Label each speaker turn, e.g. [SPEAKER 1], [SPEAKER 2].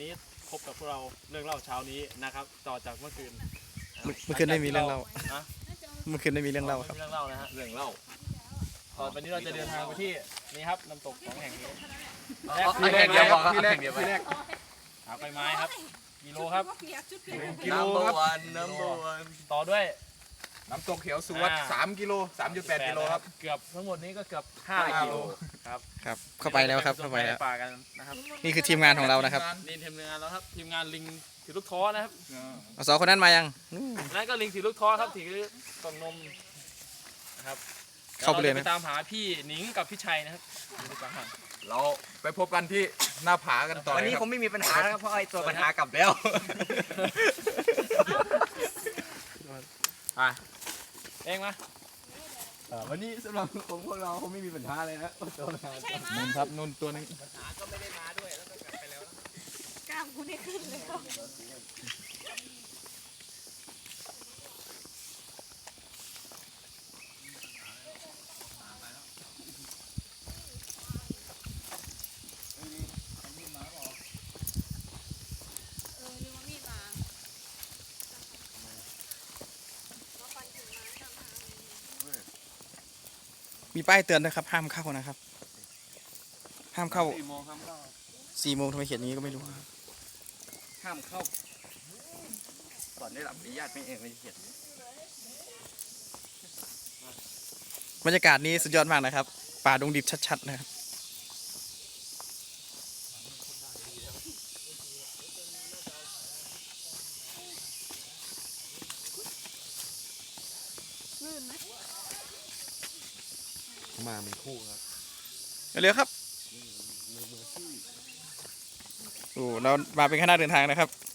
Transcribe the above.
[SPEAKER 1] นี้พบกับพวกเราเรื่องเล่าเช้านี้นะครับต่อจากเมื่อคืน
[SPEAKER 2] เมื่อคืนไม่มีเรื่องเล่า
[SPEAKER 1] ฮะ
[SPEAKER 2] เมื่อคืนไม่มีเรื่องเล่าครับ
[SPEAKER 1] เรื่องเล่านะฮะเรื่องเล่าตอนวันนี้เราจะเดินทางไปที่นี่ครับน้ำตก2แห่งนี้
[SPEAKER 3] แรกเดียวพอครับที่แรก
[SPEAKER 1] หาใบไม้ครับกิโลครับ
[SPEAKER 3] กิโลครับน้ำวัน
[SPEAKER 1] ต่อด้วย
[SPEAKER 3] น้ำตกเขียวสุวัสดิ์3 กิโล 3.8 กิโลครับ
[SPEAKER 1] เกือบทั้งหมดนี้ก็เกือบ5 กิโลครับ
[SPEAKER 2] ครับ เข้าไปแล้วครับเข้าไปแล้ว
[SPEAKER 1] ป่ากันนะครับ
[SPEAKER 2] นี่คือทีมงานของเรานะครับ
[SPEAKER 1] นี่ทีมงานแล้วครับทีมงานลิงถือลูกท้อนะครับ
[SPEAKER 2] สองคนนั้นมายัง
[SPEAKER 1] นั่นก็ลิงถือลูกท้อครับถือกล่องนมนะครับ
[SPEAKER 2] เข้าไปเลย
[SPEAKER 1] ดี๋ว
[SPEAKER 2] นะ
[SPEAKER 1] รจะตามหาพี่หนิงกับพี่ชัยนะครับอยู่ดีกว่าครับ
[SPEAKER 3] เราไปพบกันที่หน้าผากันต่อ
[SPEAKER 4] วันนี้
[SPEAKER 3] เลยค
[SPEAKER 4] ผ
[SPEAKER 3] รับ
[SPEAKER 4] มไม่มีปัญหาแล้วเพราะไอ้ตัวปัญหากลับแล้ว
[SPEAKER 1] ไปเองมา
[SPEAKER 3] วันนี้สำหรับของพวกเราคงไม่มีปัญหาเลยนะตัวปัญหา
[SPEAKER 2] นุ่นครับนุ่นตัวนึง
[SPEAKER 5] กล้ามกูนี่ขึ้นเลยลืมว่ามีดมา
[SPEAKER 2] มีป้ายเตือนนะครับ ห้ามเข้านะครับ ห้ามเข้า
[SPEAKER 1] 4 โมงครับ
[SPEAKER 2] 4 โมงทำไมเขียนอย่างนี้ก็ไม่รู้ครับ
[SPEAKER 4] ห้ามเข้าก่อนได้รับอนุญาตไม่เองไม่เขียน
[SPEAKER 2] บรรยากาศนี้สุดยอดมากนะครับ ป่าดงดิบชัดๆนะครับ
[SPEAKER 5] ลื่นไหม
[SPEAKER 3] มาเป็นคู่ครับ
[SPEAKER 2] เร็วๆครับโอ้เรามาเป็นคณะเดินทางนะครับ